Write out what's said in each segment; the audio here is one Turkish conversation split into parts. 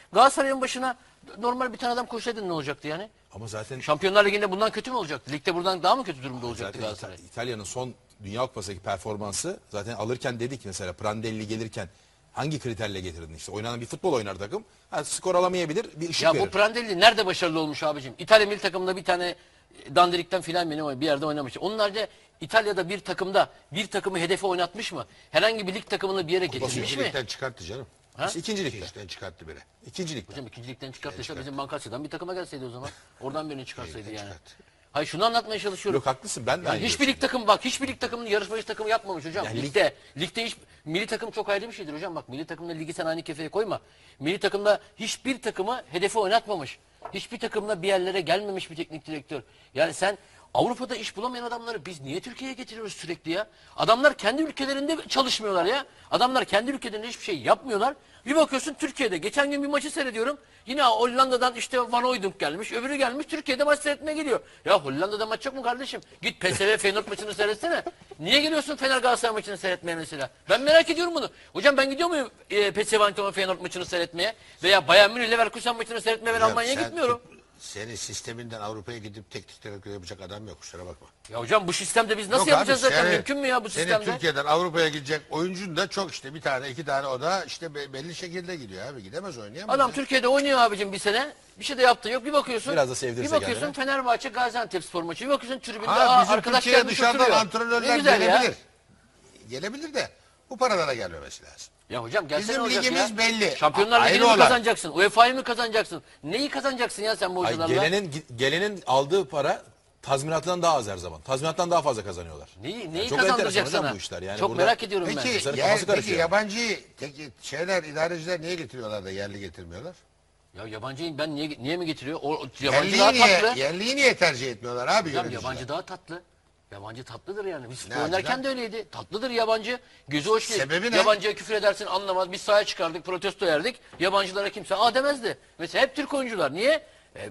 Galatasaray'ın başına normal bir tane adam koşsaydın ne olacaktı yani? Ama zaten Şampiyonlar Ligi'nde bundan kötü mü olacaktı? Ligde buradan daha mı kötü durumda olacaktı zaten Galatasaray? İtalya'nın son Dünya Kupası'ndaki performansı zaten alırken dedik mesela Prandelli gelirken hangi kriterle getirdin işte? Oynanan bir futbol oynar takım. Ha, skor alamayabilir, bir ışık Ya verir. bu Prandelli nerede başarılı olmuş abicim? İtalya milli takımında bir tane dandirikten filan benim bir yerde oynamış. Onun haricinde İtalya'da bir takımda bir takımı hedefe oynatmış mı? Herhangi bir lig takımını bir yere getirmiş mi? İkincilikten çıkarttı canım. Ha? İşte ikincilikte. İkincilikten çıkarttı biri. İkincilikte. Hocam ikincilikten çıkarttıysa bizim Bankasya'dan bir takıma gelseydi o zaman. Oradan birini çıkarsaydı yani. çıkarttı. Hayır şunu anlatmaya çalışıyorum. Yok haklısın ben de Yani aynı hiçbir lig görüşteyim. takımı bak hiçbir lig takımını yarışmacı takımı yapmamış hocam. Yani Ligde hiç milli takım çok ayrı bir şeydir hocam. Bak milli takımla ligi sen aynı kefeye koyma. Milli takımda hiçbir takımı hedefe oynatmamış. Hiçbir takımla bir yerlere gelmemiş bir teknik direktör. Yani sen Avrupa'da iş bulamayan adamları biz niye Türkiye'ye getiriyoruz sürekli ya? Adamlar kendi ülkelerinde çalışmıyorlar ya. Adamlar kendi ülkelerinde hiçbir şey yapmıyorlar. Bir bakıyorsun Türkiye'de. Geçen gün bir maçı seyrediyorum. Yine Hollanda'dan işte Van Hooijdonk gelmiş. Öbürü gelmiş Türkiye'de maç seyretmeye geliyor. Ya Hollanda'da maç yok mu kardeşim? Git PSV Feyenoord maçını seyretsene. Niye geliyorsun Fener Galatasaray maçını seyretmeye mesela? Ben merak ediyorum bunu. Hocam ben gidiyor muyum PSV Eindhoven Feyenoord maçını seyretmeye? Veya Bayern Münih Leverkusen maçını seyretmeye ben Hocam Almanya'ya sen- gitmiyorum. Senin sisteminden Avrupa'ya gidip teknik direktör yapacak adam yok, kusura bakma. Ya hocam bu sistemde biz nasıl Yok yapacağız abi, zaten? Mümkün mü ya bu senin sistemde? Türkiye'den Avrupa'ya gidecek oyuncun da çok işte bir tane iki tane o da işte belli şekilde gidiyor abi, gidemez oynayamaz. Adam ya. Türkiye'de oynuyor abicim bir sene. Bir şey de yaptı yok. Bir bakıyorsun. Biraz da sevdirse Bir bakıyorsun kendine. Fenerbahçe Gaziantepspor maçı. Bir bakıyorsun tribünde Ha, bizim arkadaş Türkiye'ye gelmiş dışarıdan oturuyor. Ne antrenörler güzel ya. gelebilir. Gelebilir de bu paralara gelmemesi lazım. Ya hocam gelsene Bizim olacak ligimiz ya. belli. Şampiyonlar Ayrı Ligi'ni mi olay. kazanacaksın? UEFA'yı mı kazanacaksın? Neyi kazanacaksın ya sen bu Ay, hocalarla? gelenin aldığı para tazminatından daha az her zaman. Tazminattan daha fazla kazanıyorlar. Neyi çok kazandıracak enteresan hocam sana? bu işler. Yani Çok burada- merak ediyorum ben. Peki, Kızların kafası peki karışıyor. yabancı idareciler niye getiriyorlar da yerli getirmiyorlar? Ya yabancıyı ben niye mi getiriyor? O yabancı daha Yerliyi tatlı. yerliyi niye tercih etmiyorlar abi? Hocam yöneticiler? yabancı daha tatlı. Yabancı tatlıdır yani. Biz futbol Ne oynarken açıdan? de öyleydi. Tatlıdır yabancı. Gözü hoş değil. Sebebi ne? Yabancıya küfür edersin anlamaz. Biz sahaya çıkardık, protesto yerdik. Yabancılara kimse demezdi. Mesela hep Türk oyuncular. Niye?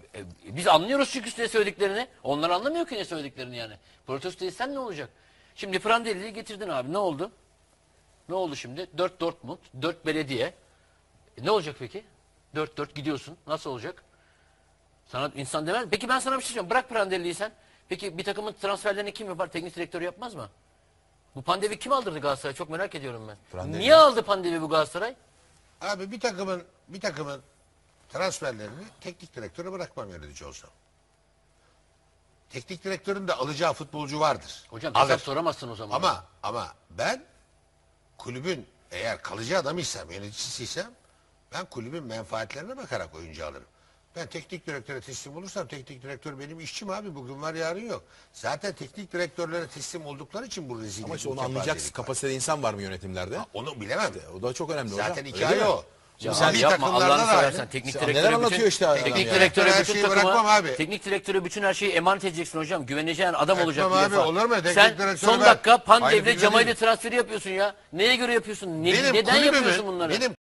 Biz anlıyoruz çünkü ne söylediklerini. Onlar anlamıyor ki ne söylediklerini yani. Protesto etsen ne olacak? Şimdi Prandelli'yi getirdin abi. Ne oldu? Ne oldu şimdi? 4 Dortmund, 4 belediye. Ne olacak peki? 4-4 gidiyorsun. Nasıl olacak? Sana insan demez. Peki ben sana bir şey söyleyeceğim. Bırak Prandelli'yi sen. Peki bir takımın transferlerini kim yapar? Teknik direktör yapmaz mı? Bu Pandevi kim aldırdı Galatasaray? Çok merak ediyorum ben. Prandelli. Niye aldı Pandevi bu Galatasaray? Abi bir takımın transferlerini teknik direktöre bırakmam yönetici olsam. Teknik direktörün de alacağı futbolcu vardır. Hocam Alır. hesap soramazsın o zaman. Ama ben kulübün eğer kalıcı adamıysam, yöneticisiysem ben kulübün menfaatlerine bakarak oyuncu alırım. Ben teknik direktöre teslim olursam teknik direktör benim işçim abi, bugün var yarın yok. Zaten teknik direktörlere teslim oldukları için bu rezillik. Ama işte bu onu anlayacaksın. kepazelik var. Kapasitede insan var mı yönetimlerde? Onu bilemem. O da çok önemli hocam. Zaten Öyle hikaye değil mi? o. Ya Milli abi yapma takımlarda Allah'ını da seversen. aynı. Teknik Sen direktöre neler anlatıyor işte adam teknik ya. direktöre Her bütün şeyi takımı, bırakmam abi. teknik direktöre bütün her şeyi emanet edeceksin hocam. Güveneceğin adam olacak Etmem bir abi, defa. olur mu? Teknik Sen direktörü son ben- dakika Aynı Pandev'le fikirde Cemal'le değilim. transferi yapıyorsun ya. Neye göre yapıyorsun? Benim Neden kulübümün- yapıyorsun bunları? benim